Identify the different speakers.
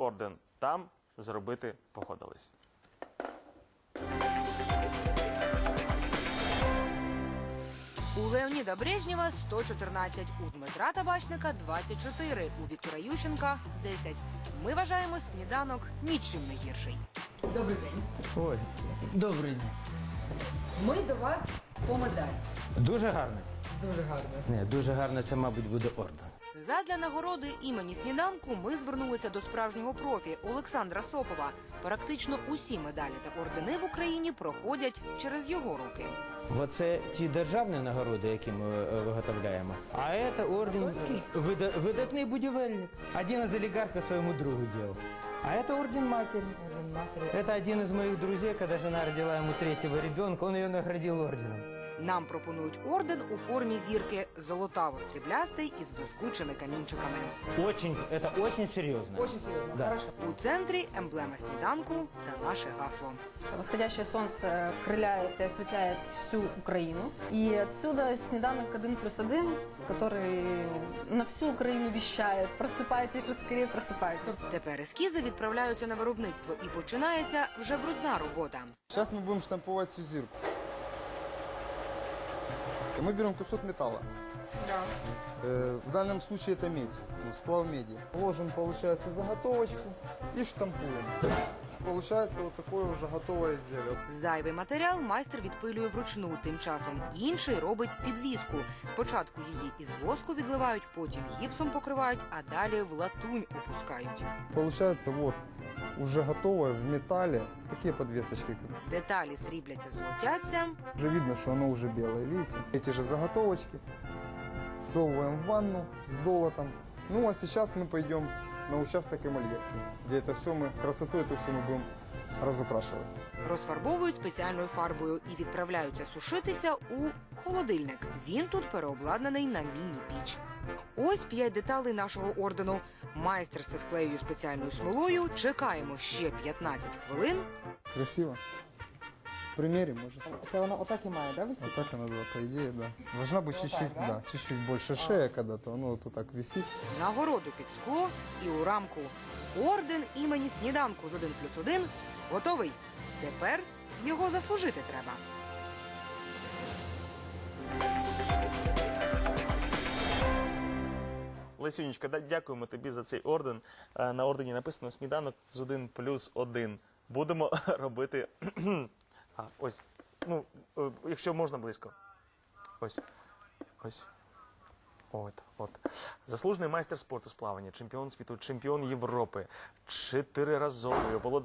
Speaker 1: орден там зробити погодились.
Speaker 2: У Леоніда Брежнєва 114, у Дмитра Табачника 24, у Віктора Ющенка 10. Ми вважаємо сніданок нічим не гірший. Добрий день.
Speaker 3: Ой, добрий день.
Speaker 2: Ми до вас по медаль.
Speaker 3: Дуже гарно.
Speaker 2: Дуже гарно.
Speaker 3: Ні, дуже гарно, це, мабуть, буде орден.
Speaker 2: Задля нагороди імені сніданку ми звернулися до справжнього профі Олександра Сопова. Практично усі медалі та ордени в Україні проходять через його руки.
Speaker 3: Оце ті державні нагороди, які ми виготовляємо. А це орден видатний будівельник. Один із олігархів своєму другу дав. А це орден матері. Это один из моих друзей, когда жена родила ему третьего ребенка, он ее наградил орденом.
Speaker 2: Нам пропонують орден у формі зірки золотаво-сріблястий із блискучими камінчиками.
Speaker 3: Это очень серьезно.
Speaker 2: Очень серйозно,
Speaker 3: Да.
Speaker 2: хорошо. У центрі емблема сніданку та наше гасло.
Speaker 4: Восходящее солнце крыляет и осветляет всю Украину. И отсюда снеданок 1+1, который на всю Украину вещает. Просыпайтесь же скорее, просыпайтесь.
Speaker 2: Тепер ескізи відправляються на виробництво і починається вже брудна робота.
Speaker 5: Сейчас мы будем штамповать всю зирку. Мы берем кусок металла. В данном случае это медь, сплав меди. Ложим, получается, заготовочку и штампуем. Получается вот такое уже готовое изделие.
Speaker 2: Зайвий матеріал майстер відпилює вручну, тим часом інший робить підвіску. Спочатку її із воску відливають, потім гіпсом покривають, а далі в латунь опускають.
Speaker 5: Получается вот уже готовое в металле такие подвесочки.
Speaker 2: Деталі срібляться, золотяться.
Speaker 5: Уже видно, что оно уже белое, видите? Эти же заготовочки всовываем в ванну с золотом. Ну а сейчас мы пойдем на участок эмальерки, где это все мы, красоту эту все мы будем разукрашивать.
Speaker 2: Розфарбовують спеціальною фарбою і відправляються сушитися у холодильник. Він тут переобладнаний на міні-піч. Ось 5 деталей нашого ордену. Майстер все склеює спеціальною смолою. Чекаємо ще 15 хвилин.
Speaker 5: Красиво. Примерим, может.
Speaker 2: Це воно отак і має, да, висіти?
Speaker 5: Вот так она, да, по идее, да. Должна быть чуть-чуть,
Speaker 2: да?
Speaker 5: да, чуть-чуть больше шея когда-то, оно вот так висит.
Speaker 2: Нагороду під скло і у рамку. Орден імені сніданку з 1+1 готовий. Тепер його заслужити треба.
Speaker 1: Лесюнечка, дякуємо тобі за цей орден. На ордені написано «Сніданок з 1+1». Будемо робити... ось. Ну, якщо можна близько. Ось. Ось. От. Заслужений майстер спорту з плавання, чемпіон світу, чемпіон Європи, 4-разовий володар